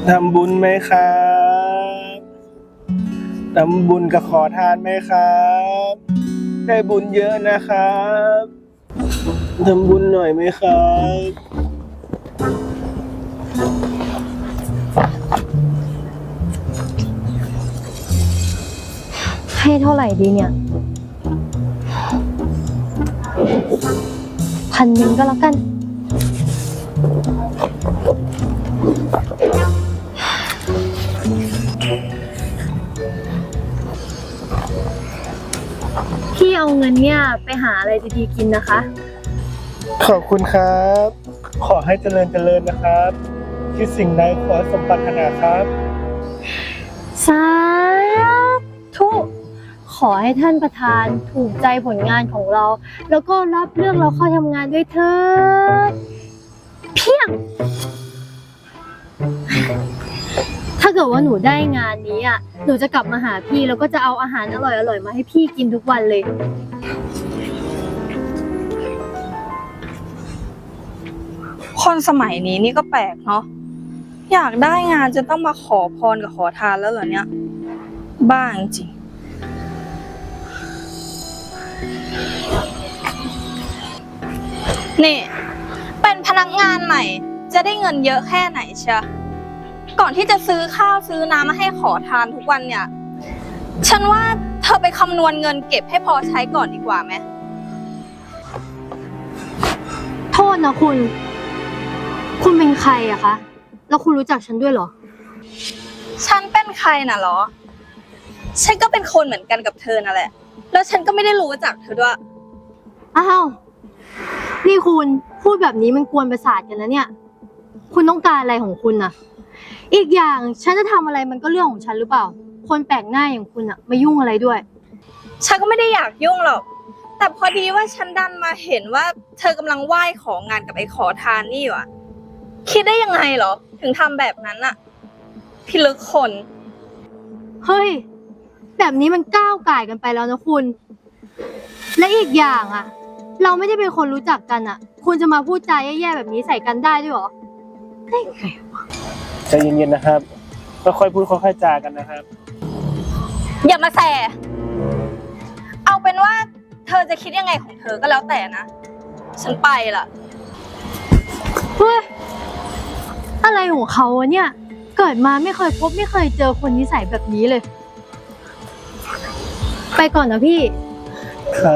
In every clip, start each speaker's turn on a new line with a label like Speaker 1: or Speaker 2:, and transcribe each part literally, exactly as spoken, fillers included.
Speaker 1: ทำบุญไหมครับทำบุญกับขอทานไหมครับได้บุญเยอะนะครับทำบุญหน่อยไหมครับ
Speaker 2: ให้เท่าไหร่ดีเนี่ยพันหนึ่งก็แล้วกันพี่เอาเงินเนี่ยไปหาอะไรดีๆกินนะคะ
Speaker 1: ขอบคุณครับ ขอให้เจริญเจริญนะครับคิดสิ่งใดขอสมปรารถนาครับ
Speaker 2: สาธุ ขอให้ท่านประธานถูกใจผลงานของเรา แล้วก็รับเรื่องเราเข้าทำงานด้วยเถิดเพียง ถ้าเกิดว่าหนูได้งานนี้อ่ะหนูจะกลับมาหาพี่แล้วก็จะเอาอาหารอร่อยๆมาให้พี่กินทุกวันเลย
Speaker 3: คนสมัยนี้นี่ก็แปลกเนาะอยากได้งานจะต้องมาขอพรกับขอทานแล้วเหรอเนี่ยบ้าจริงนี่เป็นพนักงานใหม่จะได้เงินเยอะแค่ไหนเชียก่อนที่จะซื้อข้าวซื้อน้ำมาให้ขอทานทุกวันเนี่ยฉันว่าเธอไปคำนวณเงินเก็บให้พอใช้ก่อนดีกว่าไหม
Speaker 2: โทษนะคุณ คุณเป็นใครอะคะ แล้วคุณรู้จักฉันด้วยเหรอ
Speaker 3: ฉันเป็นใครน่ะเหรอฉันก็เป็นคนเหมือนกันกับเธอนั่นแหละแล้วฉันก็ไม่ได้รู้จักเธอด้วย
Speaker 2: อ้าวนี่คุณพูดแบบนี้มันกวนประสาทกันนะเนี่ยคุณต้องการอะไรของคุณน่ะอีกอย่างฉันจะทำอะไรมันก็เรื่องของฉันหรือเปล่าคนแปลกหน้าอย่างคุณอะไม่ยุ่งอะไรด้วย
Speaker 3: ฉันก็ไม่ได้อยากยุ่งหรอกแต่พอดีว่าฉันดันมาเห็นว่าเธอกำลังไหว้ของงานกับไอ้ขอทานนี่อยู่อะคิดได้ยังไงเหรอถึงทำแบบนั้นอะพิลึกคน
Speaker 2: เฮ้ยแบบนี้มันก้าวก่ายกันไปแล้วนะคุณและอีกอย่างอะเราไม่ได้เป็นคนรู้จักกันอะคุณจะมาพูดจาแย่ๆแบบนี้ใส่กันได้ด้วยเหรอได้ไงวะ
Speaker 1: ใจเย็นๆนะครับค่อยๆพูดค่อยๆจากันนะครับ
Speaker 3: อย่ามาแสเอาเป็นว่าเธอจะคิดยังไงของเธอก็แล้วแต่นะฉันไปละ
Speaker 2: เฮ้ยอะไรของเขาวะเนี่ยเกิดมาไม่เคยพบไม่เคยเจอคนนิสัยแบบนี้เลยไปก่อนนะพี่
Speaker 1: ครับ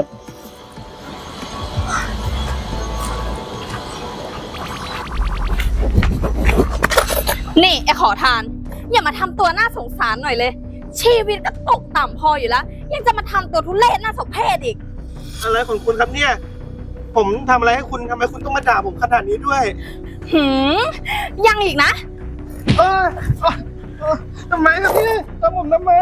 Speaker 3: นี่ไอ้ขอทานอย่ามาทำตัวน่าสงสารหน่อยเลยชีวิตก็ตกต่ำพออยู่แล้วยังจะมาทำตัวทุเรศน่าสมเพชอีก
Speaker 1: อะไรของคุณครับเนี่ยผมทำอะไรให้คุณทำไมคุณต้องมาด่าผมขนาดนี้ด้วย
Speaker 3: หืมยังอีกนะ
Speaker 1: เออเออทำไมครับพี่ทำผมทำไม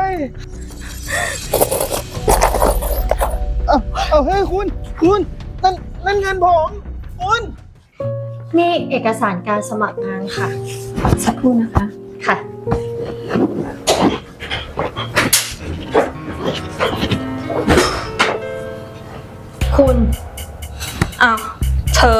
Speaker 1: เอาเอาเฮ้ยคุณคุณนั่นนั่นเงินผมคุณ
Speaker 2: นี่เอกสารการสมัครงานค่ะสักครู่นะคะค่ะคุณ
Speaker 3: อ้าวเธอ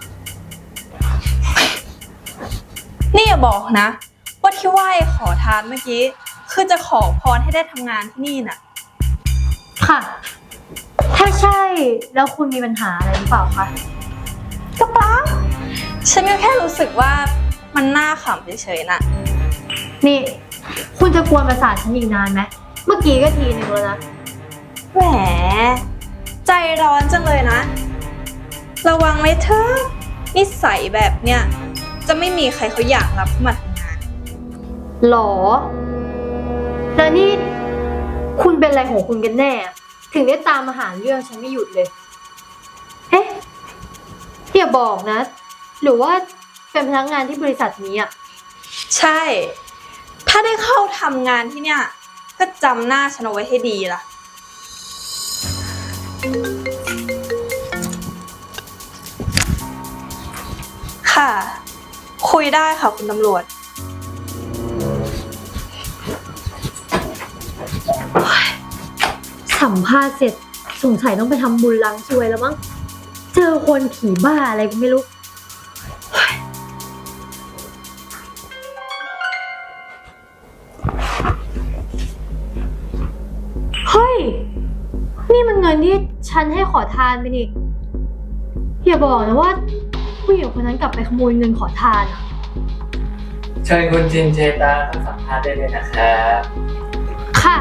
Speaker 3: นี่อย่าบอกนะว่าที่ไหว้ขอทานเมื่อกี้คือจะขอพรให้ได้ทำงานที่นี่น่ะ
Speaker 2: ค่ะถ้าใช่แล้วคุณมีปัญหาอะไรหรือเปล่าคะ
Speaker 3: ก็เปล่าฉันก็แค่รู้สึกว่ามันน่าขำเฉยๆน่ะ
Speaker 2: นี่คุณจะกวนประสาทฉันอีกนานไหมเมื่อกี้ก็ทีนึงแล้วนะ
Speaker 3: แหมใจร้อนจังเลยนะระวังไว้เถอะนิสัยแบบเนี้ยจะไม่มีใครเขาอยากรับมาทำงาน
Speaker 2: หรอแล้วนี่คุณเป็นอะไรของคุณกันแน่ถึงได้ตามมาหาเรื่องฉันไม่หยุดเลยเอ๊ะอย่าบอกนะหรือว่าเป็นพนักงานที่บริษัทนี้อ่ะ
Speaker 3: ใช่ถ้าได้เข้าทำงานที่เนี่ยก็จำหน้าฉันเอาไว้ให้ดีล่ะค่ะคุยได้ค่ะคุณตำรวจ
Speaker 2: สัมภาษณ์เสร็จสงสัยต้องไปทำบุญล้างซวยแล้วมั้งเจอคนผีบ้าอะไรก็ไม่รู้นี่มันเงินที่ฉันให้ขอทานไปนี่อย่าบอกนะว่าผู้หญิงคนนั้นกลับไปขโมยเงินขอทานอะ
Speaker 4: เชิญคุณจินเจตาเข้าสัมภาษณ์ได้เลยนะครับ
Speaker 2: ค่ะ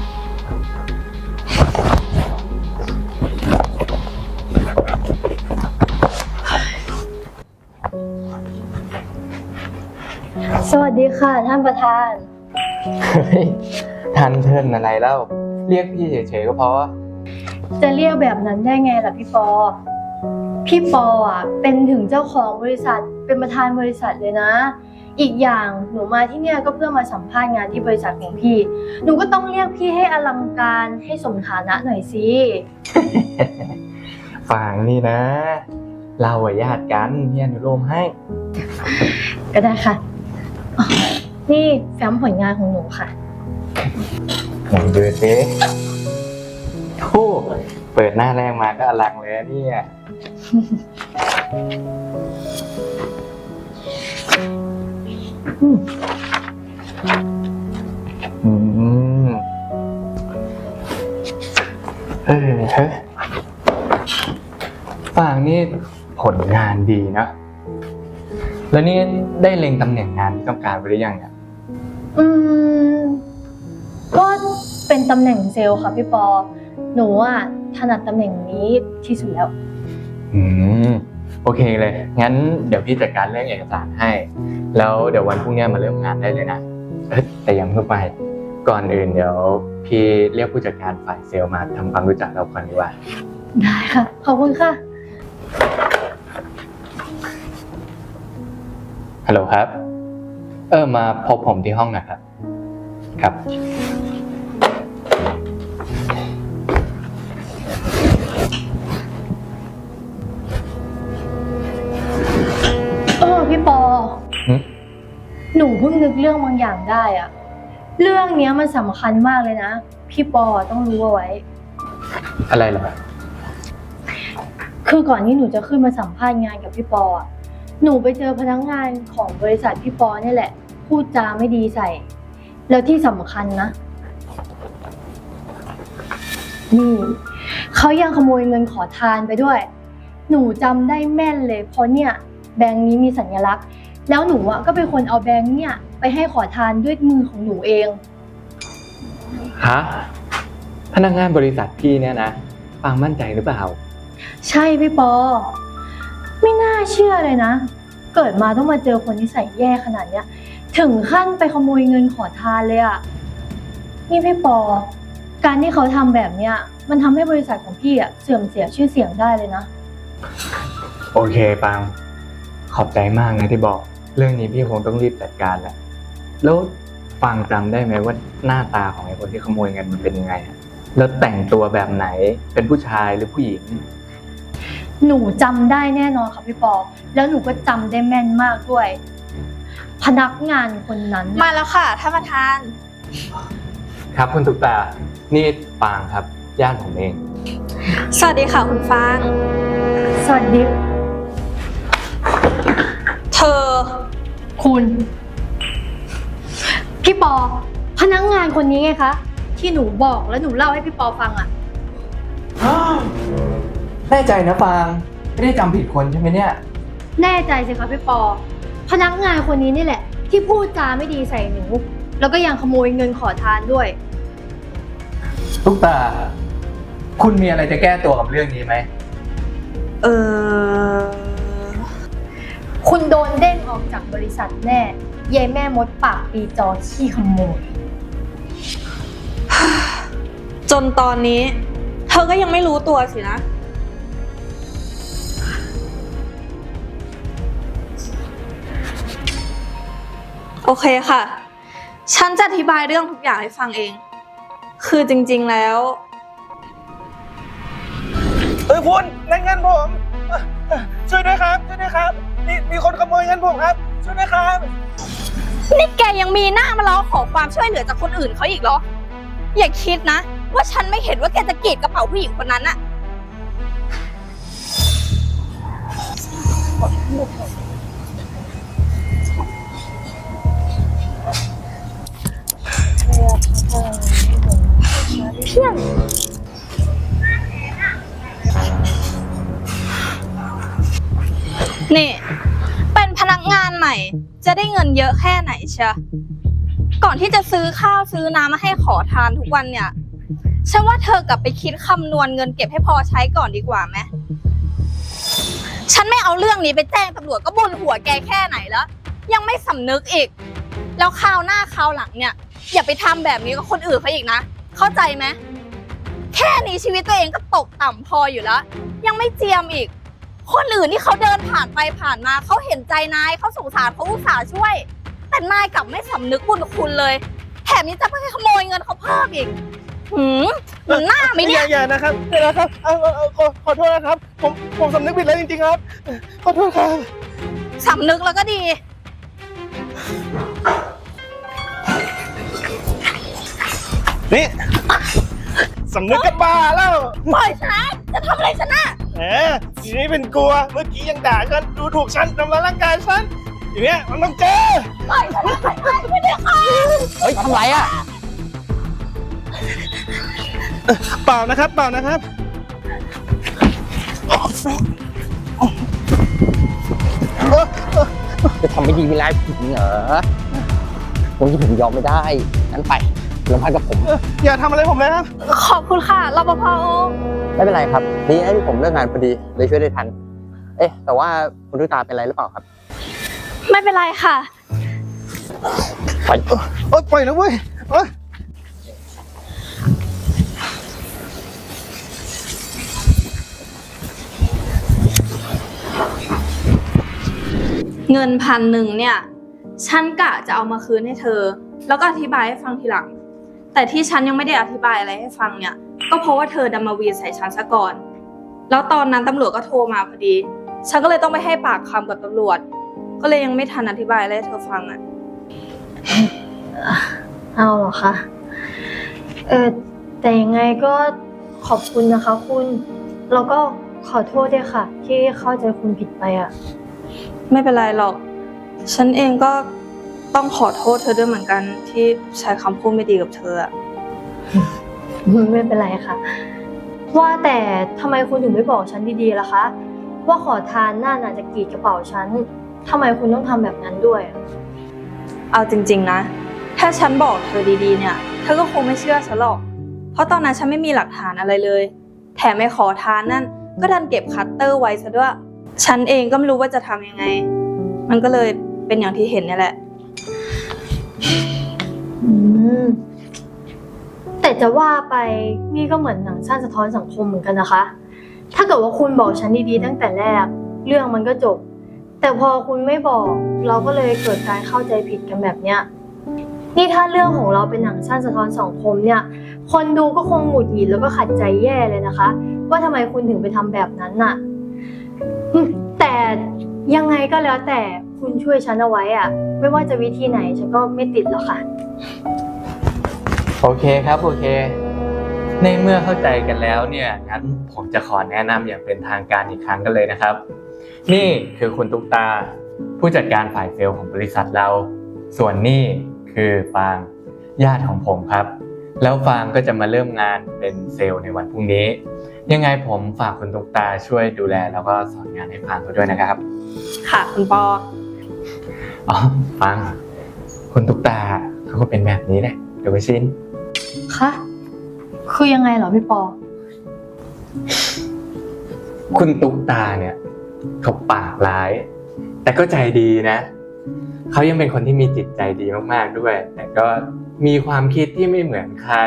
Speaker 2: สวัสดีค่ะท่านประธาน
Speaker 4: เฮ้ยทันเทินอะไรเล่า เรียกพี่เฉยๆก็พอ
Speaker 2: จะเรียกแบบนั้นได้ไงล่ะพี่ปอ พี่ปออ่ะเป็นถึงเจ้าของบริษัทเป็นประธานบริษัทเลยนะ อีกอย่างหนูมาที่เนี่ยก็เพื่อมาสัมภาษณ์งานที่บริษัทของพี่ หนูก็ต้องเรียกพี่ให้อลังการให้สมฐานะหน่อยสิ
Speaker 4: ฟังนี่นะ เราอะญาติกันพี่อนุโลมให้
Speaker 2: ก็ได้ค่ะอ๋อนี่แฟ้มผลงานของหนูค่ะ
Speaker 4: ไหนดูสิโอ้เปิดหน้าแรกมาก็อลังเลยอะเนี่ย อืมอืมเออเฮ้ยฟางนี่ผลงานดีนะ แล้วนี่ได้เล็งตำแหน่งงานที่ต้องการไปหรือยังเนี่ย
Speaker 2: อืม ก็เป็นตำแหน่งเซลล์ค่ะพี่ปอ หนูอ่ะถนัดตำแหน่งนี้ที่สุดแล้ว
Speaker 4: อืม โอเคเลย งั้นเดี๋ยวพี่จัดการเรื่องเอกสารให้ แล้วเดี๋ยววันพรุ่งนี้มาเริ่มงานได้เลยนะเอ้ยแต่ยังเพิ่งไป ก่อนอื่นเดี๋ยวพี่เรียกผู้จัดการฝ่ายเซลล์มาทำความรู้จักเราก่อนดีกว่า
Speaker 2: ได้ค่ะ ขอบคุณค่ะ
Speaker 4: ฮัลโหลครับ เออมาพบผมที่ห้องหน่อยครับ ครับ
Speaker 2: เออพี่ปอ
Speaker 4: หึ
Speaker 2: หนูเพิ่งนึกเรื่องบางอย่างได้อะเรื่องเนี้ยมันสำคัญมากเลยนะ พี่ปอต้องรู้เอาไว้
Speaker 4: อะไรเหรอ
Speaker 2: คือก่อนที่หนูจะขึ้นมาสัมภาษณ์งานกับพี่ปออะหนูไปเจอพนักงานของบริษัทพี่ปอเนี่ยแหละ พูดจาไม่ดีใส่ แล้วที่สำคัญนะ นี่เขายังขโมยเงินขอทานไปด้วย หนูจำได้แม่นเลยเพราะเนี่ยแบงค์นี้มีสัญลักษณ์ แล้วหนูอ่ะก็เป็นคนเอาแบงค์เนี่ยไปให้ขอทานด้วยมือของหนูเอง
Speaker 4: ฮะ พนักงานบริษัทพี่เนี่ยนะ ฟังมั่นใจหรือเปล่า
Speaker 2: ใช่พี่ปอ ไม่น่าเชื่อเลยนะ เกิดมาต้องมาเจอคนนิสัยแย่ขนาดเนี้ย ถึงขั้นไปขโมยเงินขอทานเลยอะนี่พี่ปอ การที่เขาทำแบบเนี้ยมันทำให้บริษัทของพี่อะเสื่อมเสียชื่อเสียงได้เลยนะ
Speaker 4: โอเคปัง ขอบใจมากนะที่บอก เรื่องนี้พี่คงต้องรีบจัดการแหละ แล้วฟังจำได้ไหมว่าหน้าตาของไอ้คนที่ขโมยเงินมันเป็นยังไงอะแล้วแต่งตัวแบบไหน เป็นผู้ชายหรือผู้หญิง
Speaker 2: หนูจำได้แน่นอนค่ะพี่ปอ แล้วหนูก็จำได้แม่นมากด้วย พนักงานคนนั้น
Speaker 3: มาแล้วค่ะท่านประธาน
Speaker 4: ครับคุณตุ๊กตา นี่ปางครับ ญาติผมเอง
Speaker 3: สวัสดีค่ะคุณฟาง
Speaker 2: สวัสดี
Speaker 3: เธอ
Speaker 2: คุณ พี่ปอ พนักงานคนนี้ไงคะ ที่หนูบอกแล้วหนูเล่าให้พี่ปอฟังอะ
Speaker 4: แน่ใจนะปาง ไม่ได้จำผิดคนใช่ไหมเนี่ย
Speaker 2: แน่ใจสิคะพี่ปอ พนักงานคนนี้นี่แหละ ที่พูดจาไม่ดีใส่หนู แล้วก็ยังขโมยเงินขอทานด้วย
Speaker 4: ตุ๊กตา คุณมีอะไรจะแก้ตัวกับเรื่องนี้ไหม
Speaker 3: เออ
Speaker 2: คุณโดนเด้งออกจากบริษัทแน่ยายแม่มดปากปีจอขี้ขโมย
Speaker 3: จนตอนนี้ เธอก็ยังไม่รู้ตัวสินะ โอเคค่ะ ฉันจะอธิบายเรื่องทุกอย่างให้ฟังเอง คือจริงๆแล้ว
Speaker 1: เออคุณนั่นเงินผมเอ่อเอ่อช่วยด้วยครับช่วยด้วยครับมีมีคนขโมยเงินผมครับช่วยด้วยครับ
Speaker 3: นี่แกยังมีหน้ามาร้องขอความช่วยเหลือจากคนอื่นเขาอีกเหรอ อย่าคิดนะ ว่าฉันไม่เห็นว่าแกจะกรีดกระเป๋าผู้หญิงคนนั้นอะ
Speaker 2: เพียง
Speaker 3: นี่เป็นพนักงานใหม่จะได้เงินเยอะแค่ไหนเชียก่อนที่จะซื้อข้าวซื้อน้ำมาให้ขอทานทุกวันเนี่ยฉันว่าเธอกลับไปคิดคำนวณเงินเก็บให้พอใช้ก่อนดีกว่าไหมฉันไม่เอาเรื่องนี้ไปแจ้งตำรวจก็บ่นหัวแกแค่ไหนแล้วยังไม่สำนึกอีกแล้วคราวหน้าคราวหลังเนี่ยอย่าไปทำแบบนี้กับคนอื่นเขาอีกนะเข้าใจไหมแค่นี้ชีวิตตัวเองก็ตกต่ำพออยู่แล้วยังไม่เจียมอีกคนอื่นที่เขาเดินผ่านไปผ่านมาเขาเห็นใจนายเขาสงสารเขาอุตส่าห์ช่วยแต่นายกลับไม่สำนึกบุญคุณเลยแถมนี้จะไปขโมยเงินเขาเพิ่มอีกหืมมันหน้าไหมเนี่ย
Speaker 1: อย่าๆนะครับเดี๋ยวนะครับเอาเอาเอาขอขอโทษนะครับผมผมสำนึกผิดแล้วจริงๆครับขอโทษครับ
Speaker 3: สำนึกแล้วก็ดี
Speaker 1: นี่สำนึกกับบ้าแล้ว
Speaker 3: ปล่อยฉันนะจะทำอะไรฉันน่ะ
Speaker 1: แหมทีนี้เป็นกลัวเมื่อกี้ยังด่าฉันดูถูกฉันทำร้ายร่างกายฉันอย่างเนี้ยมันต้องเจอ
Speaker 3: ปล่อยฉันนะปล่อยฉันไม่ได้ค่ะ
Speaker 5: เฮ้ยทำไรอ่ะ
Speaker 1: เปล่านะครับเปล่านะครับ
Speaker 5: จะทำไม่ดีไม่ร้ายผิดเหรอตรงที่ผมยอมไม่ได้งั้นไปโรงพักกับผม
Speaker 1: อย่าทำอะไรผมเลยครับ
Speaker 3: ขอบคุณค่ะรปภ
Speaker 5: ไม่เป็นไรครับดีนะที่ผมเลิกงานพอดีเลยช่วยได้ทัน เอ๊ะแต่ว่าคุณตุ๊กตาเป็นไรหรือเปล่าครับ
Speaker 3: ไม่เป็นไรค่ะ
Speaker 5: ไป
Speaker 1: โอ๊ยปล่อยนะเว้ยโอ๊ย
Speaker 3: เงินพันหนึ่งเนี่ยฉันกะจะเอามาคืนให้เธอ แล้วก็อธิบายให้ฟังทีหลัง แต่ที่ฉันยังไม่ได้อธิบายอะไรให้ฟังเนี่ยก็เพราะว่าเธอดันมาวีนใส่ฉันซะก่อนแล้วตอนนั้นตำรวจก็โทรมาพอดีฉันก็เลยต้องไปให้ปากคำกับตำรวจก็เลยยังไม่ทันอธิบายอะไรให้เธอฟังอ่ะ
Speaker 2: เอาเหรอคะ เออแต่ยังไงก็ขอบคุณนะคะคุณ แล้วก็ขอโทษด้วยค่ะ ที่เข้าใจคุณผิดไปอ่ะ
Speaker 3: ไม่เป็นไรหรอกฉันเองก็ต้องขอโทษเธอด้วยเหมือนกันที่ใช้คำพูดไม่ดีกับเธออะ
Speaker 2: ไม่เป็นไรค่ะ ว่าแต่ทำไมคุณถึงไม่บอกฉันดีๆล่ะคะ ว่าขอทานน่าน่าจะกรีดกระเป๋าฉันทำไมคุณต้องทำแบบนั้นด้วยอะ
Speaker 3: เอาจริงๆนะถ้าฉันบอกเธอดีๆเนี่ยเธอก็คงไม่เชื่อฉันหรอกเพราะตอนนั้นฉันไม่มีหลักฐานอะไรเลยแถมไม่ขอทานนั่นก็ดันเก็บคัตเตอร์ไว้ซะด้วยฉันเองก็ไม่รู้ว่าจะทำยังไงมันก็เลยเป็นอย่างที่เห็นนี่แหละ
Speaker 2: อืมแต่จะว่าไปนี่ก็เหมือนหนังสั้นสะท้อนสังคมเหมือนกันนะคะ ถ้าเกิดว่าคุณบอกฉันดีๆตั้งแต่แรกเรื่องมันก็จบ แต่พอคุณไม่บอกเราก็เลยเกิดการเข้าใจผิดกันแบบเนี้ยนี่ถ้าเรื่องของเราเป็นหนังสั้นสะท้อนสังคมเนี่ยคนดูก็คงหงุดหงิดแล้วก็ขัดใจแย่เลยนะคะ ว่าทำไมคุณถึงไปทำแบบนั้นน่ะอืมแต่ยังไงก็แล้วแต่คุณช่วยฉันเอาไว้อะไม่ว่าจะวิธีไหนฉันก็ไม่ติดหรอกค่ะ
Speaker 4: โอเคครับโอเค ในเมื่อเข้าใจกันแล้วเนี่ยงั้นผมจะขอแนะนำอย่างเป็นทางการอีกครั้งกันเลยนะครับ นี่คือคุณตุ๊กตาผู้จัดการฝ่ายเซลล์ของบริษัทเรา ส่วนนี่คือฟางญาติของผมครับ แล้วฟางก็จะมาเริ่มงานเป็นเซลล์ในวันพรุ่งนี้ ยังไงผมฝากคุณตุ๊กตาช่วยดูแลแล้วก็สอนงานให้ฟางเขาด้วยนะครับ
Speaker 3: ค่ะคุณปอ
Speaker 4: อ๋อฟังคุณตุ๊กตาเขาก็เป็นแบบนี้แหละเดี๋ยวไปชิน
Speaker 2: คะคือยังไงเหรอพี่ปอ
Speaker 4: คุณตุ๊กตาเนี่ยเขาปากร้าย แต่ก็ใจดีนะเขายังเป็นคนที่มีจิตใจดีมากๆด้วย แต่ก็มีความคิดที่ไม่เหมือนใคร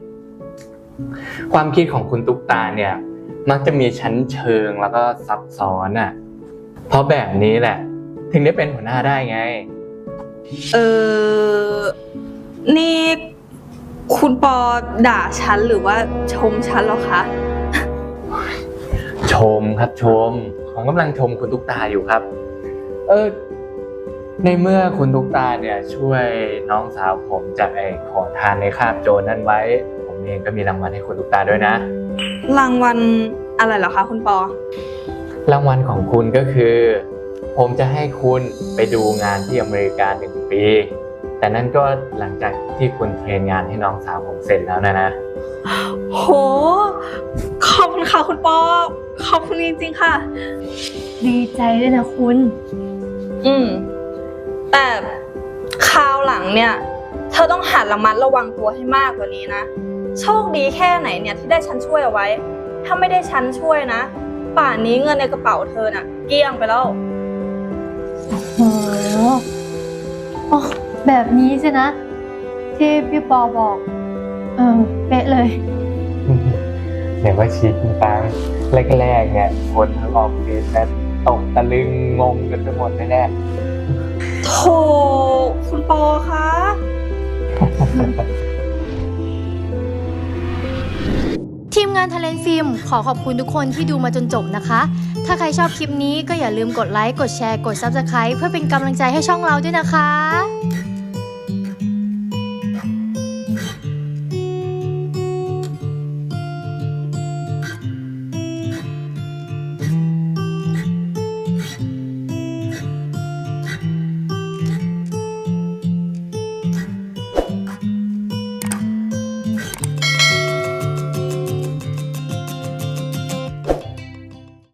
Speaker 4: ความคิดของคุณตุ๊กตาเนี่ยมักจะมีชั้นเชิงแล้วก็ซับซ้อนอ่ะเพราะแบบนี้แหละถึงได้เป็นหัวหน้าได้ไง
Speaker 3: เออนี่คุณปอด่าฉันหรือว่าชมฉันแล้วคะ
Speaker 4: ชมครับชมผมกำลังชมคุณตุ๊กตาอยู่ครับ เออในเมื่อคุณตุ๊กตาเนี่ยช่วยน้องสาวผมจากไอ้ขอทานในคาบโจรนั่นไว้ ผมเองก็มีรางวัลให้คุณตุ๊กตาด้วยนะ
Speaker 3: รางวัลอะไรเหรอคะคุณปอ
Speaker 4: รางวัลของคุณก็คือ ผมจะให้คุณไปดูงานที่อเมริกาหนึ่งปีแต่นั่นก็หลังจากที่คุณเทรนงานให้น้องสาวผมเสร็จแล้วนะนะ
Speaker 3: โห ขอบคุณค่ะคุณปอ ขอบคุณจริงๆค่ะ
Speaker 2: ดีใจด้วยนะคุณ
Speaker 3: อืม แต่คราวหลังเนี่ย เธอต้องหัดระมัดระวังตัวให้มากกว่านี้นะ โชคดีแค่ไหนเนี่ยที่ได้ฉันช่วยเอาไว้ ถ้าไม่ได้ฉันช่วยนะ ป่านนี้เงินในกระเป๋าเธอน่ะ เกลี้ยงไปแล้ว
Speaker 2: โหอ๋อแบบนี้สินะ ที่พี่ปอบอก เออ เป๊ะเลย
Speaker 4: เดี๋ยวว่าชีดคุณปังแรกๆเนี่ยคนทั้งออฟฟิศนะตกตะลึงงงกันไปหมดแน่
Speaker 3: โถคุณปอคะ
Speaker 2: ทีมงานทะเลนฟิล์มขอขอบคุณทุกคนที่ดูมาจนจบนะคะ ถ้าใครชอบคลิปนี้ก็อย่าลืมกดไลค์ กดแชร์ กด ซับสไครบ์ เพื่อเป็นกำลังใจให้ช่องเราด้วยนะคะ